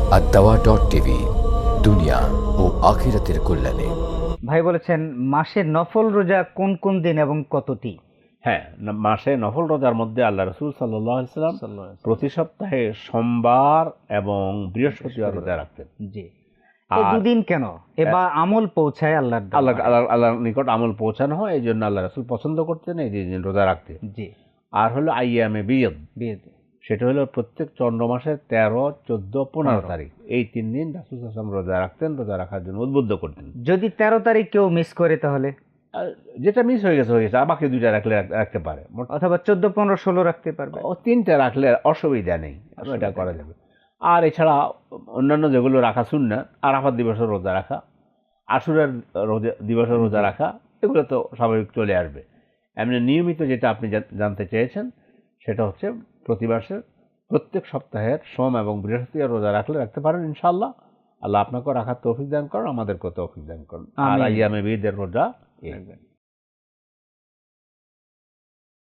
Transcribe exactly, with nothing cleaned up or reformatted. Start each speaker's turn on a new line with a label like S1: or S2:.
S1: আদ-দাওয়া dot TV, দুনিয়া ও আখিরাতের কল্যাণে।
S2: ভাই বলেছেন মাসে নফল রোজা কোন কোন দিন এবং কতটি?
S3: হ্যাঁ, ন- মাসে নফল রোজার মধ্যে আল্লাহ রসুল সাল্লাল্লাহু আলাইহি সাল্লাম প্রতি সপ্তাহে সোমবার এবং বৃহস্পতিবার রোজা রাখতেন।
S2: জি, এই
S3: আর
S2: দুদিন কেন? এবার আমল পৌঁছায় আল্লাহর
S3: আল্লাহ
S2: দরবারে।
S3: আল্লাহ আল্লাহর নিকট আমল পৌঁছানো হয়, এই জন্য আল্লাহ রসুল পছন্দ করতেন এই দিন রোজা রাখতে।
S2: জি,
S3: আর হলো আইয়ামে বিয়দ,
S2: বিয়ে
S3: সেটা হলো প্রত্যেক চন্দ্র মাসের তেরো, চোদ্দ, পনেরো
S2: পনেরো।
S3: তারিখ, এই তিন দিন রাসূল সাল্লাল্লাহু আলাইহি ওয়াসাল্লাম রোজা রাখতেন, রোজা রাখার জন্য উদ্বুদ্ধ করতেন।
S2: যদি তেরো তারিখ কেউ মিস করে তাহলে,
S3: আর যেটা মিস হয়ে গেছে হয়ে গেছে, আর বাকি দুইটা রাখলে রাখ- রাখতে পারে। মোট-
S2: অথবা চোদ্দ পনেরো ষোলো রাখতে পারবে।
S3: ও তিনটা রাখলে অসুবিধা নেই,
S2: অসুবিধা
S3: এটা করা
S2: নেই।
S3: যাবে। আর এছাড়া অন্যান্য যেগুলো রাখা সুন্নাত, আরাফাত দিবসের রোজা রাখা, আশুরার রোজা দিবসের রোজা রাখা, এগুলো তো স্বাভাবিক চলে আসবে। এমনি নিয়মিত যেটা আপনি জান- জানতে চেয়েছেন সেটা হচ্ছে প্রতি মাসের প্রত্যেক সপ্তাহের সোম এবং বৃহস্পতিবার রোজা রাখলে রাখতে পারেন ইনশাআল্লাহ। আল্লাহ আপনাকেও রাখার তৌফিক দান করেন, আমাদেরকেও তৌফিক দান করেন। আর
S2: আমিন।
S3: আইয়ামে বিদের রোজা এই।